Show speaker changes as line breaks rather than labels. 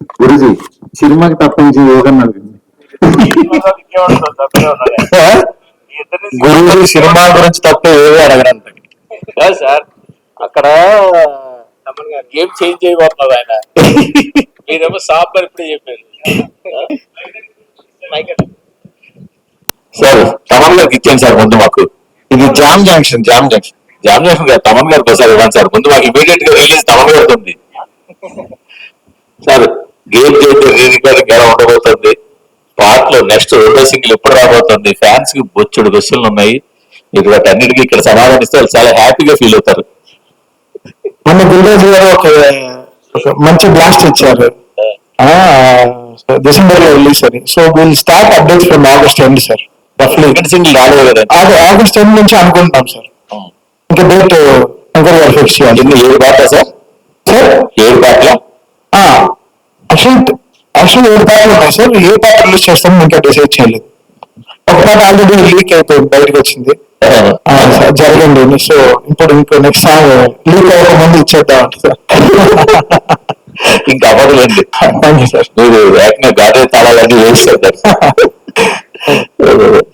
గురుజీ సినిమాకి తప్పించి ఏదన్నా
గురువు సినిమా గురించి తప్ప ఏదో అడగడానికి
సార్. అక్కడ గేమ్ చేంజ్ చేయబోతున్నారు ఆయన. మీరేమో సాంబార్ ఇప్పుడే చెప్పారు
సార్. తమన్ గారికి ఇచ్చాను సార్ ముందు మాకు. ఇది జామ్ జంక్షన్ గారు తమన్ గారికి ఒకసారి ఇవ్వండి సార్. ముందు మాకు ఇమీడియట్ గా రిలీజ్ తమన్ గారికి ఉంది సార్. గేమ్ చేంజ్ రికార్డింగ్ ఎలా ఉండబోతుంది, పాటలు నెక్స్ట్ రెండో సింగిల్ ఎప్పుడు రాబోతుంది, ఫ్యాన్స్ కి బొచ్చుడు క్వశ్చన్లు ఉన్నాయి. మీరు వాటి అన్నిటికీ ఇక్కడ సమాధానిస్తే వాళ్ళు చాలా హ్యాపీగా ఫీల్ అవుతారు.
మన గురురాజు గారు ఒక మంచి బ్లాస్ట్ ఇచ్చారు డిసెంబర్ లో రిలీజ్ అని. So will start updates from August end sir. రఫ్లీ
సింగిల్ రాలేదు కదా,
అది ఆగస్ట్ ఎండ్ నుంచి అనుకుంటున్నాం సార్. ఇంకా డేట్ శంకర్ గారు ఫిక్స్ చేయాలి.
7 పాటలా సార్?
సార్
7 పాటలా?
యాక్చువల్ 7 పాటలు ఉన్నాయి సార్. ఏ పాట రిలీజ్ చేస్తామో ఇంకా డిసైడ్ చేయలేదు. ఒక పాట ఆల్రెడీ లీక్ అయిపోయింది, బయటకు వచ్చింది జరగండి. సో ఇప్పుడు ఇంకో నెక్స్ట్ సాంగ్ లీక్ అవ్వక ముందు ఇచ్చేద్దాం సార్.
ఇంకా అవ్వదులేండి.
Thank you sir.
మీరు ఏకంగా గాడే తాళాలన్నీ వేస్తారు.